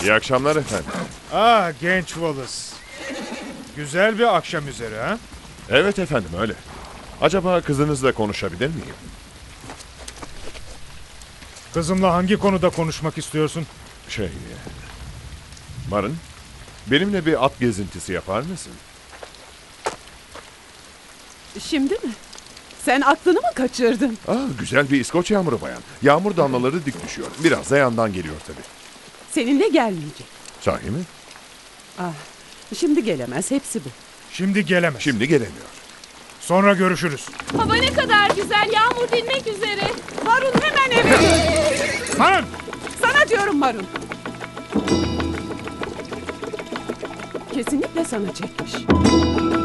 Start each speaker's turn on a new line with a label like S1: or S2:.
S1: İyi akşamlar efendim.
S2: Ah genç Wallace. Güzel bir akşam üzeri ha?
S1: Evet efendim öyle. Acaba kızınızla konuşabilir miyim?
S2: Kızımla hangi konuda konuşmak istiyorsun?
S1: Marın, benimle bir at gezintisi yapar mısın?
S3: Şimdi mi? Sen aklını mı kaçırdın?
S1: Güzel bir İskoç yağmuru bayan. Yağmur damlaları dik düşüyor. Biraz da yandan geliyor tabii.
S3: Seninle gelmeyecek.
S1: Sahi mi?
S3: Şimdi gelemez, hepsi bu.
S2: Şimdi gelemez.
S1: Şimdi gelemiyor.
S2: Sonra görüşürüz.
S4: Hava ne kadar güzel, yağmur dinmek üzere.
S3: Marun hemen eve dön.
S2: Marun!
S3: Sana diyorum Marun. Kesinlikle sana çekmiş.